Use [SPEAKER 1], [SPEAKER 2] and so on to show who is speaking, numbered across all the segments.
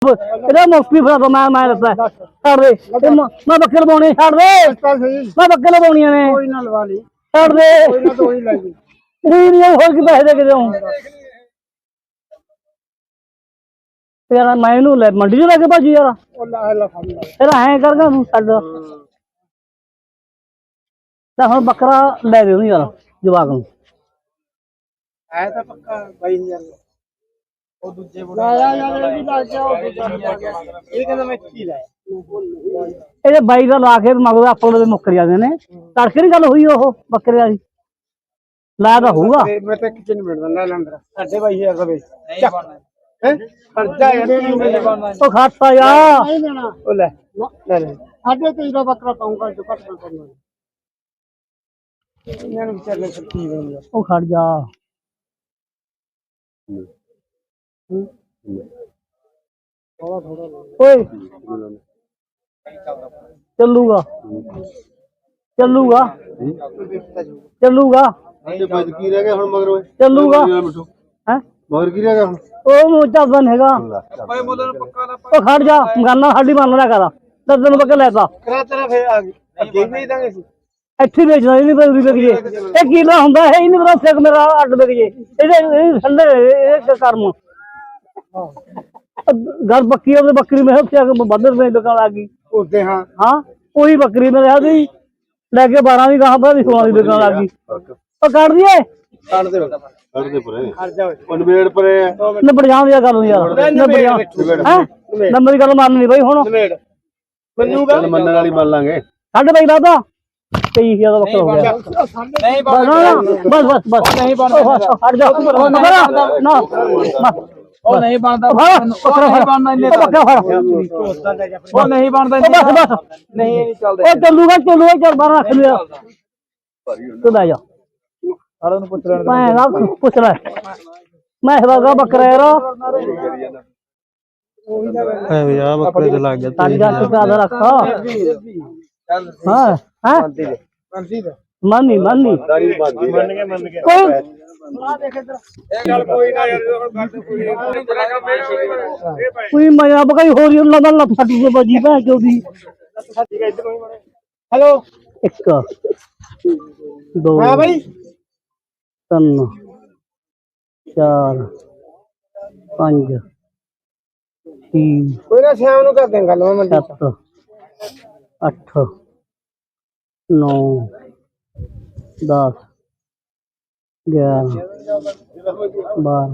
[SPEAKER 1] ਇਹਦਾ ਮੁਫਤੀ ਫੜਾ ਦੋ ਮੈਂ ਦੱਸਦਾ ਛੱਡ ਦੇ ਮੈਂ ਬੱਕਰੇ ਲਵਾਉਣੇ ਛੱਡ ਦੇ ਮੈਂ ਬੱਕਰੇ ਲਵਾਉਣੀਆਂ ਨੇ
[SPEAKER 2] ਕੋਈ ਨਾ ਲਵਾ ਲਈ
[SPEAKER 1] ਛੱਡ ਦੇ
[SPEAKER 2] ਕੋਈ ਨਾ ਦੋ ਹੀ ਲੈ ਜੀ
[SPEAKER 1] ਨਹੀਂ ਹੋਰ ਕੀ ਪੈਸੇ ਦੇ ਕੇ ਦੇਉਂ ਯਾਰ ਮੈਂ ਇਹਨੂੰ ਲੈ ਮੰਡੀ ਚ ਲੈ ਕੇ ਭਾਜੀ ਯਾਰ
[SPEAKER 2] ਉਹ ਲਾ ਫੜ ਲੈ
[SPEAKER 1] ਫਿਰ ਐਂ ਕਰਗਾ ਤੂੰ ਛੱਡ ਤਾਂ ਹੁਣ ਬੱਕਰਾ ਲੈ ਦੇ ਉਹਨੂੰ ਯਾਰ ਜਵਾਕ ਨੂੰ
[SPEAKER 2] ਆਇਆ ਤਾਂ ਪੱਕਾ 22000 ਉਹ ਦੂਜੇ ਬੋਲ ਆਇਆ ਯਾਰ ਇਹ ਵੀ ਲੱਗ ਗਿਆ ਉਹ ਇਹ ਕਹਿੰਦਾ ਮੈਂ ਕੀ ਲਾਇਆ
[SPEAKER 1] ਇਹਦੇ ਬਾਈ ਦਾ ਲਾ ਕੇ ਮਗਰ ਆਪਾਂ ਦੇ ਮੁੱਕਰ ਜਾਂਦੇ ਨੇ ਤੜਕੇ ਦੀ ਗੱਲ ਹੋਈ ਉਹ ਬੱਕਰੇ ਵਾਲੀ ਲਾ ਤਾਂ ਹੋਊਗਾ
[SPEAKER 2] ਮੈਂ ਤਾਂ ਕਿਚਨ ਨਹੀਂ ਮਿਲਦਾ ਲੈ ਲੰਦਰ 22000 ਦਾ ਵੇਚ ਹੈ ਖਰਚਾ ਯਾਰ
[SPEAKER 1] ਉਹ ਖਾਤਾ ਯਾਰ
[SPEAKER 2] ਨਹੀਂ ਦੇਣਾ ਉਹ ਲੈ ਲੈ 23.5 ਦਾ ਬੱਕਰਾ ਪਾਉਂਗਾ ਜੋ ਘੱਟ ਕਰਨਾ ਇਹਨਾਂ ਨੂੰ ਵਿਚਾਰ ਲੈ ਸਕਤੀ ਹੈ
[SPEAKER 1] ਉਹ ਖੜ ਜਾ ਓਏ ਚੱਲੂਗਾ ਚੱਲੂਗਾ ਚੱਲੂਗਾ
[SPEAKER 2] ਕੀ ਰਹਿ ਗਿਆ ਹੁਣ ਮਗਰ
[SPEAKER 1] ਚੱਲੂਗਾ ਹੈ
[SPEAKER 2] ਮਗਰ ਕੀ ਰਹਿ ਗਿਆ ਹੁਣ
[SPEAKER 1] ਉਹ ਚੱਲਦਾ ਨਹੀਂ ਹੈਗਾ ਉਹ ਖੜ ਜਾ ਗਾਨਾ ਸਾਡੀ ਮੰਨ ਲਿਆ ਕਰ ਦਰਜਨ ਬੱਕੇ ਲੈਤਾ
[SPEAKER 2] ਕਰਾ ਤੇਰਾ ਫੇਰ ਆ ਗਈ ਅੱਗੇ ਵੀ ਦਾਂਗੇ ਸੀ
[SPEAKER 1] ਇੱਥੇ ਵੇਚਦਾ ਇਹ ਨਹੀਂ ਪਤਾ ਵਿਕ ਜੇ ਇਹ ਕੀਲਾ ਹੁੰਦਾ ਹੈ ਇਹ ਨਹੀਂ ਪਤਾ ਸਿੱਖ ਮੇਰਾ ਅੱਡ ਵਿਕ ਜੇ ਇਹਦੇ ਠੰਡੇ ਇਹ ਕਰਮ ਗੱਲ ਬੱਕੀ ਉਹਦੇ ਬੱਕਰੀ ਮੈਂ ਉੱਥੇ ਆ ਕੇ ਵੱਧ ਰੁਪਏ ਦੁਕਾਨ ਆ ਗਈ
[SPEAKER 2] ਉਸਦੇ ਹਾਂ
[SPEAKER 1] ਹਾਂ ਉਹੀ ਬੱਕਰੀ ਮੇਰੇ ਹੱਥ ਦੀ ਲੈ ਕੇ 12 ਦੀ ਗਾਹ ਬਾਅਦ 16 ਦੀ ਦੁਕਾਨ ਲੱਗ ਗਈ ਉਹ ਕੱਢ ਦਈਏ
[SPEAKER 2] ਕੱਢ ਦੇ ਪਰੇ ਹਟ ਜਾ ਓਏ ਨਵੇੜ ਪਰੇ
[SPEAKER 1] ਨੰਬਰ ਜਾਣ ਦੀ ਗੱਲ ਯਾਰ ਨੰਬਰ ਦੀ ਗੱਲ ਮੰਨਣੀ ਬਈ ਹੁਣ
[SPEAKER 2] ਨਵੇੜ ਮੰਨੂਗਾ ਮੰਨਣ ਵਾਲੀ ਮੰਨ ਲਾਂਗੇ
[SPEAKER 1] ਸਾਡੇ ਬਾਈ ਲਾਦਾ 23000 ਦਾ ਬੱਕਰਾ ਹੋ ਗਿਆ
[SPEAKER 2] ਨਹੀਂ
[SPEAKER 1] ਬਸ
[SPEAKER 2] ਨਹੀਂ ਬਣਦਾ
[SPEAKER 1] ਹਟ ਜਾ ਨਾ
[SPEAKER 2] ਉਹ ਨਹੀਂ ਬਣਦਾ
[SPEAKER 1] ਬੱਕਰਾ ਨਹੀਂ ਬਣਦਾ ਇੰਨੇ
[SPEAKER 2] ਉਹ ਨਹੀਂ ਬਣਦਾ
[SPEAKER 1] ਬਸ
[SPEAKER 2] ਨਹੀਂ ਇਹ ਨਹੀਂ ਚੱਲਦਾ
[SPEAKER 1] ਉਹ ਚੱਲੂਗਾ ਚੱਲ ਬਾਹਰ ਰੱਖ ਲਿਆ ਤੂੰ ਲੈ ਜਾ
[SPEAKER 2] ਸਾਰਾ ਨੂੰ ਪੁੱਛ ਲੈਣ
[SPEAKER 1] ਮੈਂ ਪੁੱਛ ਲੈ ਮੈਂ ਹਵਾਗਾ ਬੱਕਰਾ ਯਾਰ
[SPEAKER 2] ਐ ਯਾਰ ਬੱਕਰੇ ਤੇ ਲੱਗ ਗਿਆ
[SPEAKER 1] ਸਾਡੀ ਗੱਲ ਤੇ ਆਦਰ ਰੱਖ ਹਾਂ ਹਾਂ ਮੰਨੀ
[SPEAKER 2] ਮੰਨ ਗਏ
[SPEAKER 1] ਕੋਈ
[SPEAKER 2] ਇਹ ਗੱਲ ਕੋਈ ਨਾ ਯਾਰ
[SPEAKER 1] ਕੋਈ ਮਜ਼ਾ ਬਕਾਈ ਹੋ ਰਹੀ ਉਹਨਾਂ ਦਾ ਫੱਟੀ ਦੇ ਬਾਜੀ ਭੈ ਚੋਦੀ
[SPEAKER 2] ਹੈਲੋ
[SPEAKER 1] 1 2
[SPEAKER 2] ਹਾਂ ਭਾਈ
[SPEAKER 1] 3 4 5 6
[SPEAKER 2] ਕੋਈ ਨਾ ਸ਼ਾਮ ਨੂੰ ਕਰ ਦੇ ਗੱਲ ਮੈਂ
[SPEAKER 1] 7 8 9 10 11 12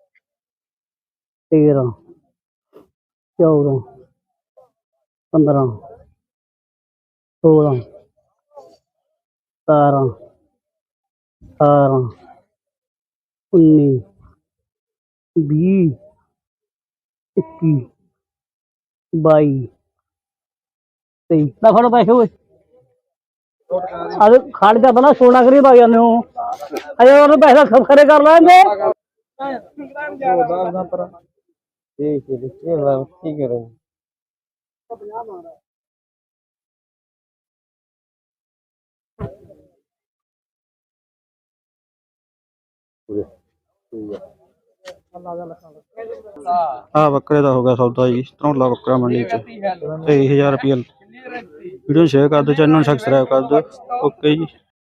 [SPEAKER 1] 13 14 15 16 17 18 19 20 21 22 23 ਨਾ ਫੜੋ ਪੈਸੇ ਹੋਏ ਅਰੇ ਖੜ ਜਾ ਪਹਿਲਾਂ ਸੋਨਾ ਕਰੀ ਪਾ ਜਾਂਦੇ ਹੋ ਅਜੇ ਉਹਨੂੰ ਪੈਸਾ ਖਰੇ ਕਰ ਲੈਂਦੇ
[SPEAKER 2] ਕੀ ਕਰਾਂ
[SPEAKER 3] ਆ ਬੱਕਰੇ ਦਾ ਹੋ ਗਿਆ ਸੌਦਾ ਜੀ ਧਰੌਲਾ ਬੱਕਰਾ ਮੰਡੀ ਚ 23000 ਰੁਪਏ ਵੀਡੀਓ ਸ਼ੇਅਰ ਕਰ ਦਿਓ ਚੈਨਲ ਨੂੰ ਸਬਸਕ੍ਰਾਈਬ ਕਰ ਦਿਓ ਓਕੇ ਜੀ।